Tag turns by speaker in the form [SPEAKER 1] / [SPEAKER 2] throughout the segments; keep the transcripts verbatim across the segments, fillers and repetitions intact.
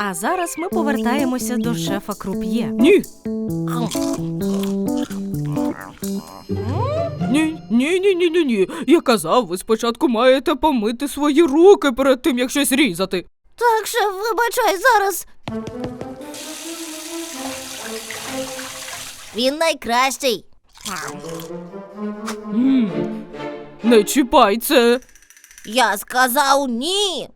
[SPEAKER 1] А зараз ми повертаємося до шефа Круп'є.
[SPEAKER 2] Ні. Ні, ні, ні, ні, ні, ні. Я казав, ви спочатку маєте помити свої руки перед тим, як щось різати.
[SPEAKER 3] Так, шеф, вибачай, зараз. Він найкращий.
[SPEAKER 2] М, Не чіпай це.
[SPEAKER 3] Я сказав ні.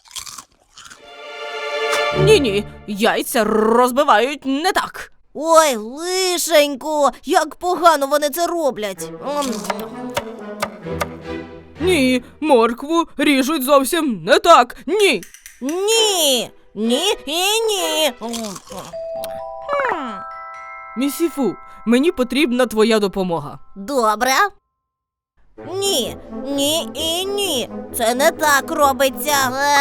[SPEAKER 2] Ні-ні, яйця розбивають не так.
[SPEAKER 3] Ой, лишенько, як погано вони це роблять. М.
[SPEAKER 2] Ні, моркву ріжуть зовсім не так. Ні.
[SPEAKER 3] Ні, ні і ні.
[SPEAKER 2] Місіфу, мені потрібна твоя допомога.
[SPEAKER 3] Добре. Ні, ні і ні. Це не так робиться.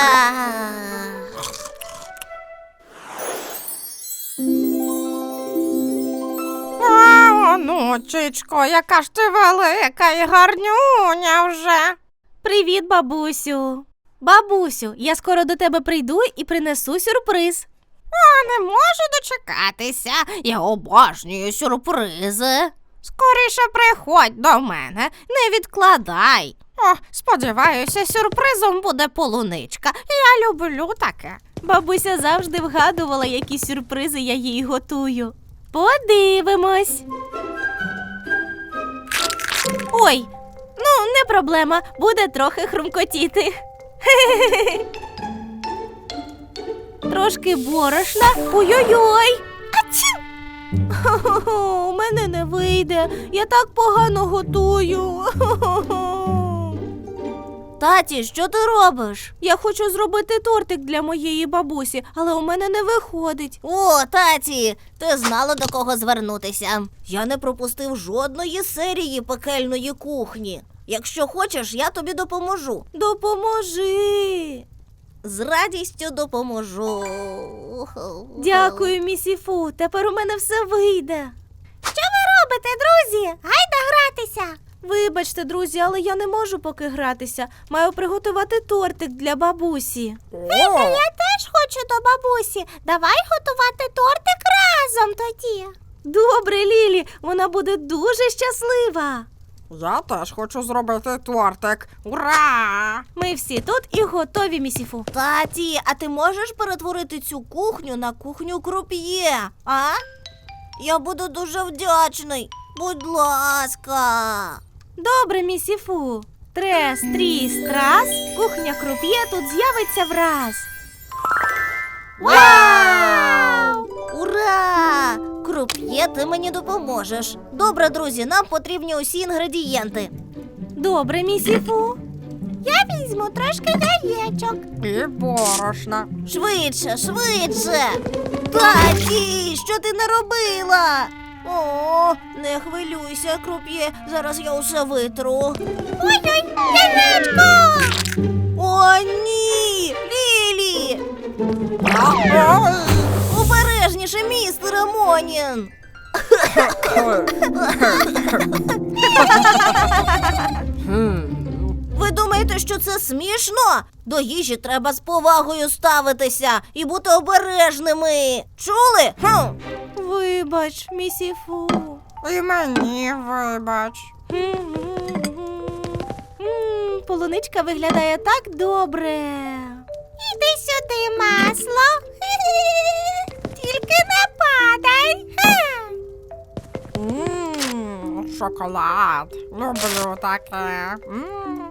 [SPEAKER 4] О, онучечко, яка ж ти велика і гарнюня вже.
[SPEAKER 1] Привіт, бабусю. Бабусю, я скоро до тебе прийду і принесу сюрприз.
[SPEAKER 4] А не можу дочекатися. Я обожнюю сюрпризи. Скоріше приходь до мене, не відкладай. О, сподіваюся, сюрпризом буде полуничка. Я люблю таке.
[SPEAKER 1] Бабуся завжди вгадувала, які сюрпризи я їй готую. Подивимось. Ой, ну не проблема, буде трохи хрумкотіти. Трошки борошна. Ой-ой-ой. Ачу! Хо-хо-хо, у мене не вийде. Я так погано готую.
[SPEAKER 3] Таті, що ти робиш?
[SPEAKER 1] Я хочу зробити тортик для моєї бабусі, але у мене не виходить.
[SPEAKER 3] О, таті, ти знала, до кого звернутися. Я не пропустив жодної серії пекельної кухні. Якщо хочеш, я тобі допоможу.
[SPEAKER 1] Допоможи.
[SPEAKER 3] З радістю допоможу.
[SPEAKER 1] Дякую, місіфу. Тепер у мене все вийде.
[SPEAKER 3] Що ви робите, друзі? Гайда гратися.
[SPEAKER 1] Вибачте, друзі, але я не можу поки гратися. Маю приготувати тортик для бабусі.
[SPEAKER 3] Я теж хочу до бабусі. Давай готувати тортик разом тоді.
[SPEAKER 1] Добре, Лілі, вона буде дуже щаслива.
[SPEAKER 4] Я теж хочу зробити тортик. Ура!
[SPEAKER 1] Ми всі тут і готові, місіфу.
[SPEAKER 3] Таті, а ти можеш перетворити цю кухню на кухню Круп'є, а? Я буду дуже вдячний. Будь ласка.
[SPEAKER 1] Добре, місіфу. Трес, тріс, трас. Кухня Круп'є тут з'явиться враз.
[SPEAKER 3] Вау! Ура! Круп'є, ти мені допоможеш. Добре, друзі, нам потрібні усі інгредієнти.
[SPEAKER 1] Добре, місіфу.
[SPEAKER 3] Я візьму трошки яєчок.
[SPEAKER 4] І борошна.
[SPEAKER 3] Швидше, швидше. Таті, що ти наробила? О, не хвилюйся, Круп'є, зараз я усе витру. Ой-ой, яєчко! О, ні! Лілі! Обережніше, містер Монін! Ви думаєте, що це смішно? До їжі треба з повагою ставитися і бути обережними. Чули? Хм.
[SPEAKER 1] Вибач, місіфу.
[SPEAKER 4] І мені вибач.
[SPEAKER 1] М, Полуничка виглядає так добре.
[SPEAKER 3] Іди сюди, масло. Тільки не падай.
[SPEAKER 4] Ммм, шоколад. Люблю таке. М.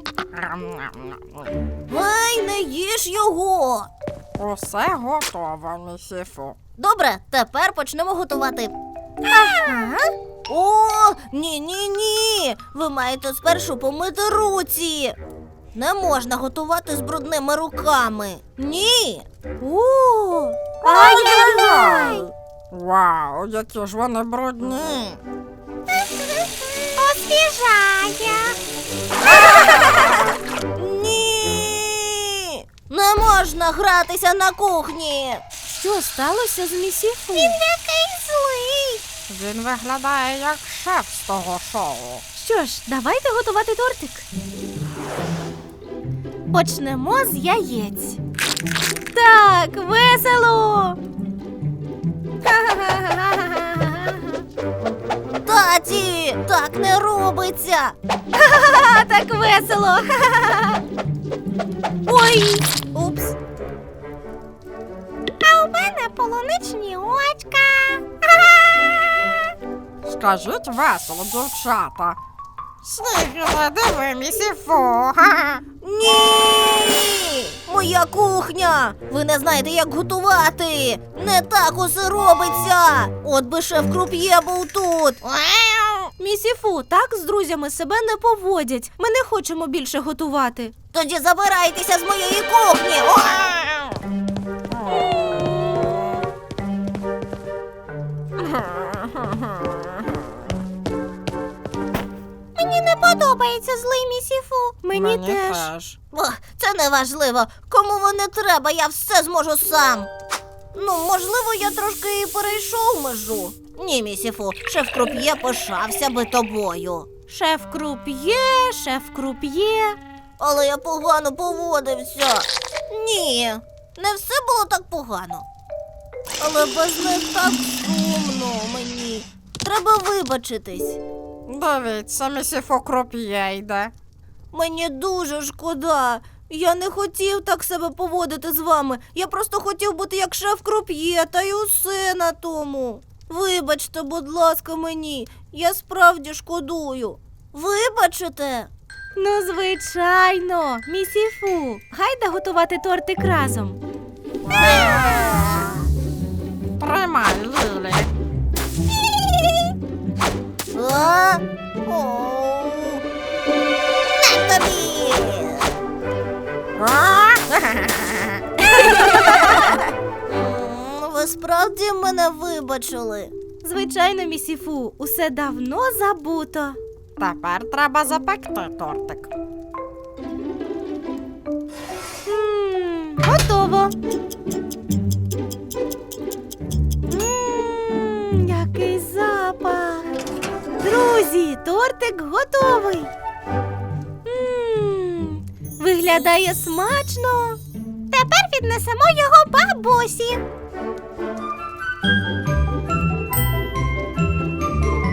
[SPEAKER 3] Ай, не їж його.
[SPEAKER 4] Усе готово, місіфу.
[SPEAKER 3] Добре, тепер почнемо готувати.
[SPEAKER 1] Ага.
[SPEAKER 3] О, ні-ні-ні. Ви маєте спершу помити руці. Не можна готувати з брудними руками. Ні.
[SPEAKER 1] О,
[SPEAKER 3] Ай-яй-яй.
[SPEAKER 4] Вау, які ж вони брудні.
[SPEAKER 3] Освіжає. Ні. Не можна гратися на кухні.
[SPEAKER 1] що сталося з місіфу?
[SPEAKER 3] Який злий.
[SPEAKER 4] Він виглядає як шеф з того шоу.
[SPEAKER 1] Що ж, давайте готувати тортик. Почнемо з яєць. Так, весело.
[SPEAKER 3] Таті, так не робиться.
[SPEAKER 1] Ха, так весело. Ой,
[SPEAKER 3] Упс.
[SPEAKER 4] А у мене полуничні очка. Скажіть весело, дівчата. Снігіле, диви, місіфу.
[SPEAKER 3] Ні! Моя кухня! Ви не знаєте, як готувати! Не так усе робиться! От би шеф Круп'є був тут!
[SPEAKER 1] місіфу, так з друзями себе не поводять. Ми не хочемо більше готувати.
[SPEAKER 3] Тоді забирайтеся з моєї кухні! О!
[SPEAKER 4] Мені не подобається злий місіфу.
[SPEAKER 1] Мені, теж.
[SPEAKER 3] Ох, це не важливо. Кому воно треба, я все зможу сам. Ну, можливо, я трошки і перейшов межу. Ні, місіфу, шеф Круп'є пишався би тобою.
[SPEAKER 1] Шеф Круп'є, шеф Круп'є.
[SPEAKER 3] Але я погано поводився. Ні, не все було так погано. Але без них так сумно мені. Треба вибачитись.
[SPEAKER 4] Дивіться, місіфу Круп'є йде.
[SPEAKER 3] Мені дуже шкода. Я не хотів так себе поводити з вами. Я просто хотів бути як шеф Круп'є, та й усе на тому. Вибачте, будь ласка, мені. Я справді шкодую. Вибачите?
[SPEAKER 1] Ну, звичайно, місіфу. Гайда готувати тортик разом.
[SPEAKER 4] Тримай, Лілі.
[SPEAKER 3] А? О, на тобі! М, Ви справді мене вибачили?
[SPEAKER 1] Звичайно, місіфу, усе давно забуто.
[SPEAKER 4] Тепер треба запекти тортик.
[SPEAKER 1] М, Готово. М, Який запах. Друзі, тортик готовий. М, Виглядає смачно.
[SPEAKER 4] Тепер віднесемо його бабусі.